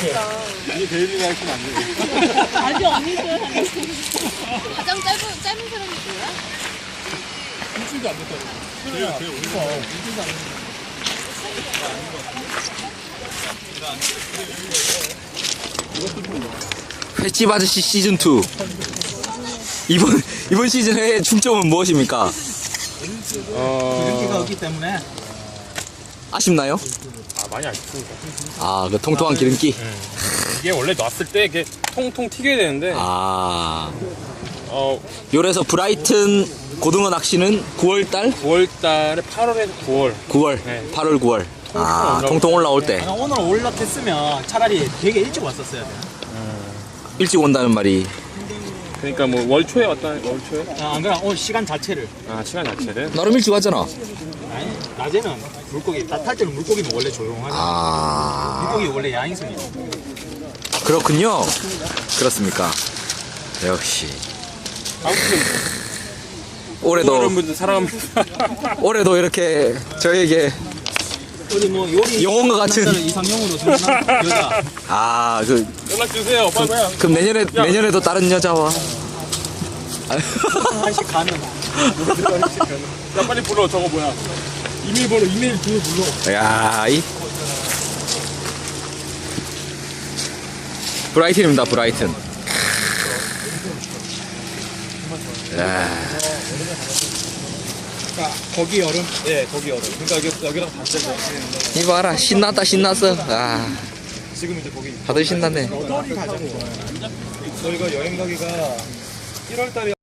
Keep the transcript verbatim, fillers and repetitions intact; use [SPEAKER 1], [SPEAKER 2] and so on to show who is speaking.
[SPEAKER 1] 이게 데일리가 할건 안 돼.
[SPEAKER 2] 아주 언니들 하는
[SPEAKER 3] 가장 짧은 짧은 사람이 뭐야?
[SPEAKER 1] 일주일도 안 됐다고. 제일 제일 오래 일주일도 안 됐다고.
[SPEAKER 4] 횟집 아저씨 시즌 투. 이번 이번 시즌의 중점은 무엇입니까?
[SPEAKER 1] 기름기가 없기 때문에.
[SPEAKER 4] 아쉽나요?
[SPEAKER 5] 아, 많이 아쉽습니다.
[SPEAKER 4] 아, 그 통통한 기름기.
[SPEAKER 5] 이게 원래 놨을 때 이게 통통 튀겨야 되는데,
[SPEAKER 4] 아,
[SPEAKER 5] 어,
[SPEAKER 4] 요래서 브라이튼 고등어 낚시는 구월달?
[SPEAKER 5] 구월 달에 팔월에서 구월.
[SPEAKER 4] 구월,
[SPEAKER 5] 네.
[SPEAKER 4] 팔월, 구월. 아, 통통 올라올 때
[SPEAKER 1] 아, 오늘 올라탔으면 차라리 되게 일찍 왔었어야 돼.
[SPEAKER 4] 일찍 온다는 말이.
[SPEAKER 5] 그러니까 뭐 월초에 왔다, 월초에?
[SPEAKER 1] 아, 안 그래 오늘 시간 자체를.
[SPEAKER 5] 아, 시간 자체를.
[SPEAKER 4] 나름 일찍 왔잖아.
[SPEAKER 1] 아니 낮에는 물고기 다 탈 때는 물고기는 원래 조용하죠.
[SPEAKER 4] 아,
[SPEAKER 1] 물고기 원래 야행성이야.
[SPEAKER 4] 그렇군요. 그렇습니까? 역시.
[SPEAKER 5] 아무튼,
[SPEAKER 4] 올해도
[SPEAKER 5] 여러분들 사랑합니다.
[SPEAKER 4] 올해도 이렇게 저에게
[SPEAKER 1] 우리 뭐 요리
[SPEAKER 4] 영혼과 같은.
[SPEAKER 1] 남자를 이상형으로 생각하는 여자.
[SPEAKER 4] 아, 그
[SPEAKER 5] 연락주세요, 빨리.
[SPEAKER 4] 그럼 내년에 내년에도 다른 여자와.
[SPEAKER 1] 한씩 가는.
[SPEAKER 5] 야, 빨리 불러, 저거 뭐야.
[SPEAKER 1] 이메일 번호 이메일 그 불러.
[SPEAKER 4] 야, 이 브라이튼입니다, 브라이튼. 야,
[SPEAKER 1] 아, 거기 여름? 예, 거기 여름. 그러니까 여기, 여기랑 반대죠.
[SPEAKER 4] 이봐라, 신났다, 신났어. 아,
[SPEAKER 1] 지금 이제 거기.
[SPEAKER 4] 다들 신났네.
[SPEAKER 1] 어디 가자고. 저희가 여행 가기가 일월 달에